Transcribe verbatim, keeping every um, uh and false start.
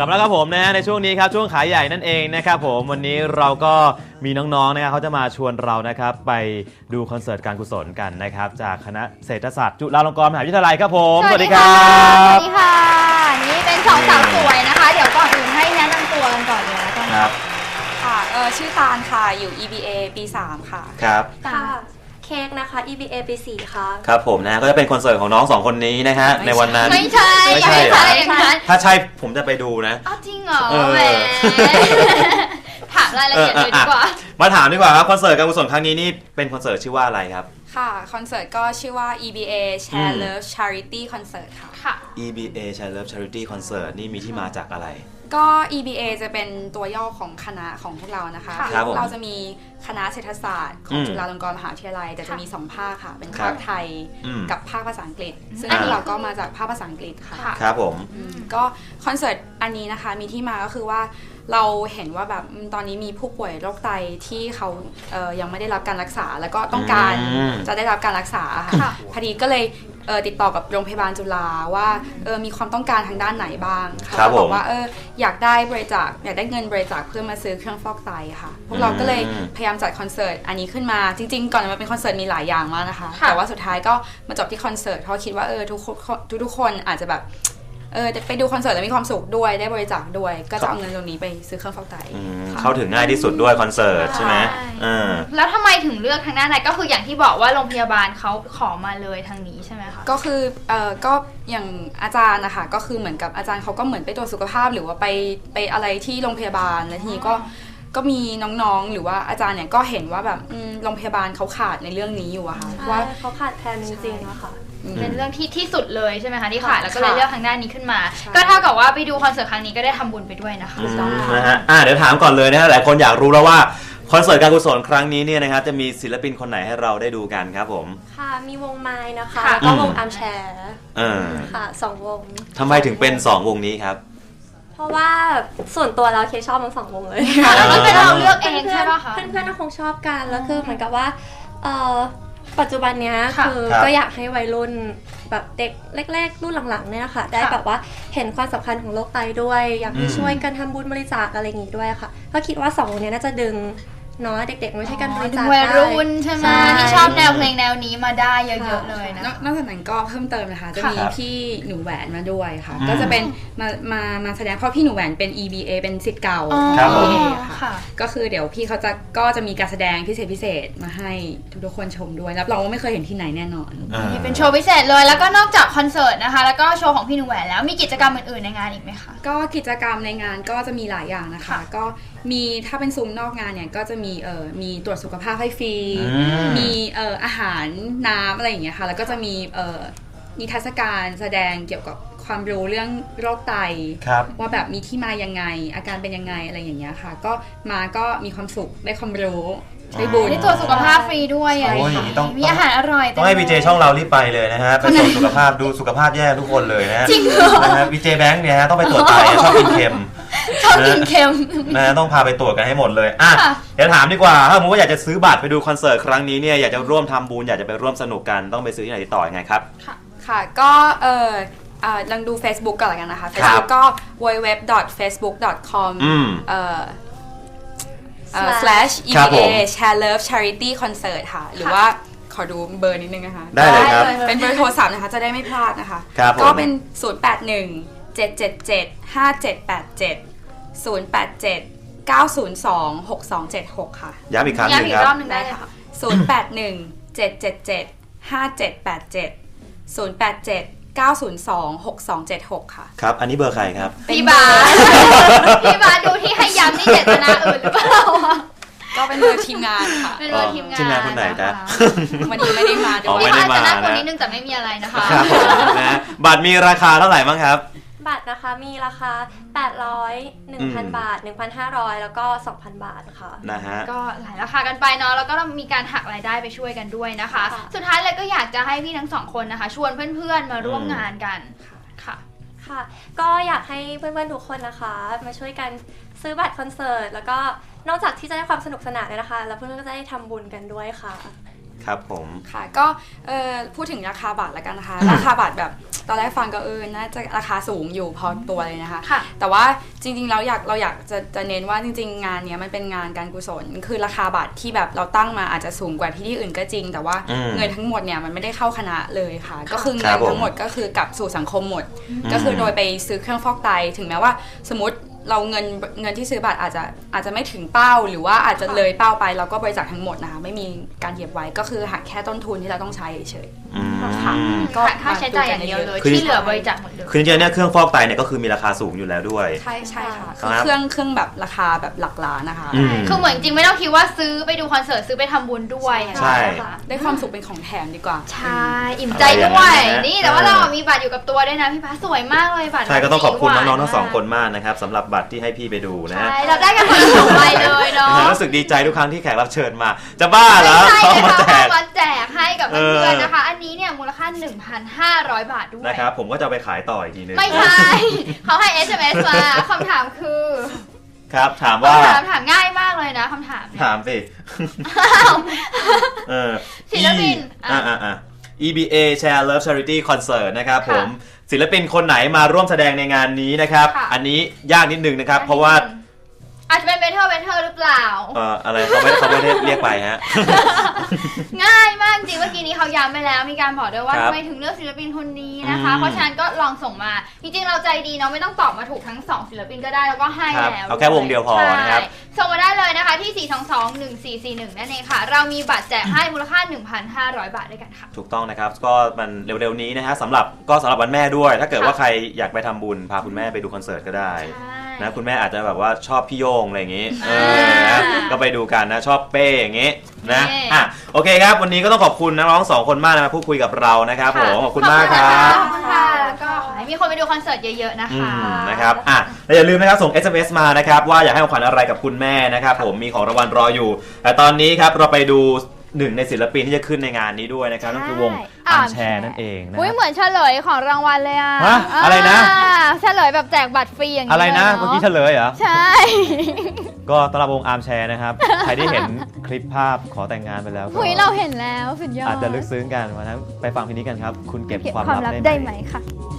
ลับแล้วครับผมนะฮะในช่วงนี้ครับช่วงขายใหญ่นั่นเองนะครับผมวันนี้เราก็มีน้องๆนะครับเขาจะมาชวนเรานะครับไปดูคอนเสิร์ตการกุศลกันนะครับจากคณะเศรษฐศาสตร์จุฬาลงกรณ์มหาวิทยาลัยครับผมสวัสดีครับสวัสดีค่ะนี่เป็นสองสาวสวยนะคะเดี๋ยวก่อนอื่นให้แนะนำตัวกันก่อนเลยแล้วกันครับค่ะเออชื่อตาลค่ะอยู่ อี บี เอ ปีสามค่ะครับค่ะเค้กนะคะ อี บี เอ ปีสี่ค่ะครับผมนะก็จะเป็นคอนเสิร์ตของน้องสองคนนี้นะฮะในวันนั้นไม่ใช่ไม่ใช่ถ้าใช่ผมจะไปดูนะอ้าวจริงเหรอแหมถามรายละเอียดเลยดีกว่ามาถามดีกว่าครับคอนเสิร์ตการกุศลครั้งนี้นี่เป็นคอนเสิร์ตชื่อว่าอะไรครับค่ะคอนเสิร์ตก็ชื่อว่า อี บี เอ Share Love Charity Concert ค่ะค่ะอี บี เอ Share Love Charity Concert นี่มีที่มาจากอะไรก็ อี บี เอ จะเป็นตัวย่อของคณะของพวกเรานะคะเราจะมีคณะเศรษฐศาสตร์ของจุฬาลงกรณ์มหาวิทยาลัยแต่จะมีสองภาคค่ะเป็นภาคไทยกับภาคภาษาอังกฤษซึ่งเราก็มาจากภาคภาษาอังกฤษค่ะครับผมก็คอนเสิร์ตอันนี้นะคะมีที่มาก็คือว่าเราเห็นว่าแบบตอนนี้มีผู้ป่วยโรคไตที่เขาเอ่อยังไม่ได้รับการรักษาแล้วก็ต้องการจะได้รับการรักษาค่ะพอดีก็เลยเออติดต่อกับโรงพยาบาลจุฬาว่าเออมีความต้องการทางด้านไหนบ้างค่ะเขาบอกว่าเอออยากได้บริจาคอยากได้เงินบริจาคเพื่อมาซื้อเครื่องฟอกไตค่ะพวกเราก็เลยพยายามจัดคอนเสิร์ตอันนี้ขึ้นมาจริงๆก่อนมันเป็นคอนเสิร์ตมีหลายอย่างมากนะคะแต่ว่าสุดท้ายก็มาจบที่คอนเสิร์ตเพราะคิดว่าเออทุกทุกทุกคนอาจจะแบบเออไปดูคอนเสิร์ตแล้วมีความสุขด้วยได้บริจาคด้วยก็จะเอาเงินตรงนี้ไปซื้อเครื่องฟอกไตเข้าถึงง่ายที่สุดด้วยคอนเสิร์ตใช่ไหมแล้วทำไมถึงเลือกทางด้านไหนก็คืออย่างที่บอกว่าโรงพยาบาลเขาขอมาเลยทางนี้ใช่ไหมคะก็คือเออก็อย่างอาจารย์นะคะก็คือเหมือนกับอาจารย์เขาก็เหมือนไปตรวจสุขภาพหรือว่าไปไปอะไรที่โรงพยาบาลแล้วทีนี้ก็ก็มีน้องๆหรือว่าอาจารย์เนี่ยก็เห็นว่าแบบโรงพยาบาลเขาขาดในเรื่องนี้อยู่อะค่ะว่าเขาขาดแคลนจริงๆอะค่ะเป็นเรื่องที่ที่สุดเลยใช่ไหมคะที่ขาดแล้วก็เลยเลือกทางด้านนี้ขึ้นมาก็เท่ากับว่าไปดูคอนเสิร์ตครั้งนี้ก็ได้ทำบุญไปด้วยนะคะนะฮะอ่าเดี๋ยวถามก่อนเลยนะฮะหลายคนอยากรู้แล้วว่าคอนเสิร์ตการกุศลครั้งนี้เนี่ยนะครับจะมีศิลปินคนไหนให้เราได้ดูกันครับผมค่ะมีวงไม้นะคะก็วงอาร์มแชร์ค่ะสองวงทำไมถึงเป็นสองวงนี้ครับเพราะว่าส่วนตัวเราเคชอบทั้งสองวงเลยแล้วก็เป็นเราเลือกเองใช่ป่ะคะเพื่อนๆก็คงชอบกันแล้วคือเหมือนกับว่าเออปัจจุบันเนี้ยคือก็อยากให้วัยรุ่นแบบเด็กแรกๆรุ่นหลังๆเนี่ยค่ะได้แบบว่าเห็นความสำคัญของโรคไตด้วยอยากให้ช่วยกันทำบุญบริจาคอะไรอย่างงี้ด้วยค่ะก็คิดว่าสองวงนี้น่าจะดึงเนาะเด็กๆไม่ใช่การบริจาควัยรุ่นใช่ไหมที่ชอบแนวเพลงแนวนี้มาได้เยอะๆเลยนะนอกจากนั้นก็เพิ่มเติมนะคะจะมีพี่หนูแหวนมาด้วยค่ะก็จะเป็นมามามาแสดงเพราะพี่หนูแหวนเป็น อี บี เอ เป็นศิษย์เก่า อี บี เอ ค่ะก็คือเดี๋ยวพี่เขาจะก็จะมีการแสดงพิเศษพิเศษมาให้ทุกๆคนชมด้วยรับรองว่าไม่เคยเห็นที่ไหนแน่นอนเป็นโชว์พิเศษเลยแล้วก็นอกจากคอนเสิร์ตนะคะแล้วก็โชว์ของพี่หนูแหวนแล้วมีกิจกรรมอื่นๆในงานอีกไหมคะก็กิจกรรมในงานก็จะมีหลายอย่างนะคะก็มีถ้าเป็นซุ้มนอกงานเนี่ยก็จะมีเอ่อมีตรวจสุขภาพให้ฟรีมีเอ่ออาหารน้ำอะไรอย่างเงี้ยค่ะแล้วก็จะมีเอ่อนิทรรศการแสดงเกี่ยวกับความรู้เรื่องโรคไตว่าแบบมีที่มายังไงอาการเป็นยังไงอะไรอย่างเงี้ยค่ะก็มาก็มีความสุขได้ความรู้ได้บุญได้ตรวจสุขภาพฟรีด้วยมีอาหารอร่อยต้องให้วีเจช่องเรารีบไปเลยนะฮะไปตรวจสุขภาพดูสุขภาพแย่ทุกคนเลยนะจริงเหรอนะฮะวีเจแบงค์เนี่ยฮะต้องไปตรวจไตชอบกินเค็มชอบกินเค็มนะต้องพาไปตรวจกันให้หมดเลยอ่ะเดี๋ยวถามดีกว่าถ้าสมมติว่าอยากจะซื้อบัตรไปดูคอนเสิร์ตครั้งนี้เนี่ยอยากจะร่วมทำบุญอยากจะไปร่วมสนุกกันต้องไปซื้อที่ไหนติดต่อยังไงครับค่ะค่ะก็เออลองดู Facebook ก่อนละกันนะคะ Facebook ก็ ดับเบิลยู ดับเบิลยู ดับเบิลยู ดอท เฟซบุ๊ก ดอท คอม เอ่อ slash อี บี เอ Share Love Charity Concert ค่ะหรือว่าขอดูเบอร์นิดนึงนะคะได้เลยครับเป็นเบอร์โทรศัพท์นะคะจะได้ไม่พลาดนะคะก็เป็นศูนย์ แปด หนึ่ง เจ็ด เจ็ด เจ็ด ห้า เจ็ด แปด เจ็ด ศูนย์ แปด เจ็ด เก้า ศูนย์ สอง หก สอง เจ็ด หกค่ะย้ำอีกครั้งนึงครับย้ำอีกรอบนึงได้ค่ะศูนย์ แปด หนึ่ง เจ็ด เจ็ด เจ็ด ห้า เจ็ด แปด เจ็ด ศูนย์ แปด เจ็ด เก้า ศูนย์ สอง หก สอง เจ็ด หกค่ะครับอันนี้เบอร์ใครครับพี่บาพี่บาดูที่ให้ย้ำนี่เจตนาอื่นหรือเปล่าก็เป็นเบอร์ทีมงานค่ะเป็นเบอร์ทีมงานทีมงานคนไหนจ๊ะวันนี้ไม่ได้มาด้วยพี่บาจะน่าคนนิดนึงแต่ไม่มีอะไรนะคะครับผมนะบัตรมีราคาเท่าไหร่บ้างครับบัตรนะคะมีราคาแปดร้อย หนึ่งพัน บาท หนึ่งพันห้าร้อย แล้วก็ สองพัน บาทค่ะนะฮะก็หลายราคากันไปเนาะแล้วก็มีการหักรายได้ไปช่วยกันด้วยนะคะสุดท้ายเลยก็อยากจะให้พี่ทั้งสองคนนะคะชวนเพื่อนๆมาร่วมงานกันค่ะค่ะก็อยากให้เพื่อนๆทุกคนนะคะมาช่วยกันซื้อบัตรคอนเสิร์ตแล้วก็นอกจากที่จะได้ความสนุกสนานเลยนะคะแล้วเพื่อนๆก็จะได้ทำบุญกันด้วยค่ะครับผมค่ะก็เอ่อพูดถึงราคาบัตรแล้วกันนะคะ ราคาบัตรแบบตอนแรกฟังก็เออน่าจะราคาสูงอยู่พอตัวเลยนะคะค่ะแต่ว่าจริงๆเราอยากเราอยากจะจะเน้นว่าจริงๆงานเนี้ยมันเป็นงานการกุศลคือราคาบัตรที่แบบเราตั้งมาอาจจะสูงกว่าที่ที่อื่นก็จริง แต่ว่าอืมเงินทั้งหมดเนี่ยมันไม่ได้เข้าคณะเลยค่ะ ก็คือคเงิรันบผมทั้งหมดก็คือกลับสู่สังคมหมด ก็คือโดยไปซื้อเครื่องฟอกไตถึงแม้ว่าสมมติเราเงินเงินที่ซื้อบัตรอาจจะอาจจะไม่ถึงเป้าหรือว่าอาจจะเลยเป้าไปเราก็บริจาคทั้งหมดนะคะไม่มีการเหยียบไว้ก็คือหักแค่ต้นทุนที่เราต้องใช้เฉยอืมค่ะก็ค่าใช้จ่ายอย่างเดียวเลยคือที่เหลือบริจาคหมดเลยคือจริงๆเนี่ยเครื่องฟอกไตเนี่ยก็คือมีราคาสูงอยู่แล้วด้วยใช่ใช่ค่ะครัคืบอเครื่องเครื่องแบบราคาแบบหลักล้านนะคะอืมคือเหมือนจริงไม่ต้องคิดว่าซื้อไปดูคอนเสิร์ตซื้อไปทำบุญด้วยใช่ค่ะได้ความสุขเป็นของแถมดีกว่าใช่อิ่มใจด้วยอะไรอย่างนั้นนะนี่แต่ว่าเรามีบัตรอยู่กับตัวด้วยนะพี่พัสสวยมากเลยบัตรใช่ก็ต้องขอบคุณสีหวาน้องๆทั้งสองคนมากนะครับสำหรับบัตรที่ให้พี่ไปดูนะฮะใช่เราได้กันคนละสองใบเลยเนาะรู้สึกดีใจทุกครั้งที่แขกรับเชิญมา จะบ้าเหรอใช่เขาเลยมาค่ะแจกมาแจกให้กับเอเพื่อนอๆนะคะ อันนี้เนี่ยมูลค่า หนึ่งพันห้าร้อย บาทด้วยนะครับผมก็จะเอาไปขายต่ออีกทีนึงไม่ใช่ เขาให้ เอส เอ็ม เอส มาคำถามคือครับถามว่าคำถามถามง่ายมากเลยนะคำถามเนี่ยถามสิเออศิลปิน E อ่าอ่าอ่า อี บี เอ Share Love Charity Concert นะครับผมศิลปินคนไหนมาร่วมแสดงในงานนี้นะครับค่ะอันนี้ยากนิดนึงนะครับ เพราะว่าอาจจะเป็นเบเทอร์เบเทอร์หรือเปล่าเอ่ออะไรเขาไม่เขาไม่ได้เรียกไปฮะง่ายมากจริงเมื่อกี้นี้เขาย้ำไปแล้วมีการบอกด้วยว่าครับทำไมถึงเลือกศิลปินคนนี้นะคะอืมเพราะฉะนั้นก็ลองส่งมาจริงๆเราใจดีเนาะไม่ต้องตอบมาถูกทั้งสองศิลปินก็ได้แล้วก็ให้ครับแล้วเอาแค่วงเดียวพอนะครับใช่ส่งมาได้เลยนะคะที่ สี่ สอง สอง หนึ่ง สี่ สี่ หนึ่ง นั่นเองค่ะ เรามีบัตรแจกให้มูลค่า หนึ่งพันห้าร้อย บาทด้วยกันค่ะถูกต้องนะครับก็มันเร็วๆนี้นะฮะสำหรับก็สำหรับวันแม่ด้วย ถ้าเกิดค่ะว่าใครอยากไปทำบุญพาคุณแม่ไปดูคอนเสิร์ตก็ได้ใช่นะคุณแม่อาจจะแบบว่าชอบพี่โยงอะไรอย่างงี้เออ่าอนะก็ไปดูกันนะชอบเป้อย่างงี้นะนี่อ่ะโอเคครับวันนี้ก็ต้องขอบคุณนักร้องสองคนมากนะมาพูดคุยกับเรานะครับผมขอบคุณมากครับขอบคุณค่ะแล้วก็ขอให้มีคนไปดูคอนเสิร์ตเยอะๆนะอืคะมนะครับอ่ะและอย่าลืมนะครับส่ง เอส เอ็ม เอส มานะครับว่าอยากให้ของขวัญอะไรกับคุณแม่นะครับผมมีของรางวัลรออยู่ แต่ตอนนี้ครับเราไปดูหนึ่งในศิลปินที่จะขึ้นในงานนี้ด้วยนะครับนั่นคือวงอาร์มแชร์นั่นเองนะอุ้ยเหมือนเฉลยของรางวัลเลยอ่ะฮะอะไรนะาเฉลยแบบแจกบัตรฟรีอย่างนี้อะไรนะลยเมื่อกี้เฉลยเหรอใช่ก็ต้อนรับวงอาร์มแชร์นะครับ ใครที่เห็นคลิปภาพขอแต่งงานไปแล้วก็หุยเราเห็นแล้วสุดยอดอาจจะลึกซึ้งกันวันนั้นไปฟังเพลงนี้กันครับ คุณเก็บเก็บความความลับลับได้ได้ไหไหมมค่ะ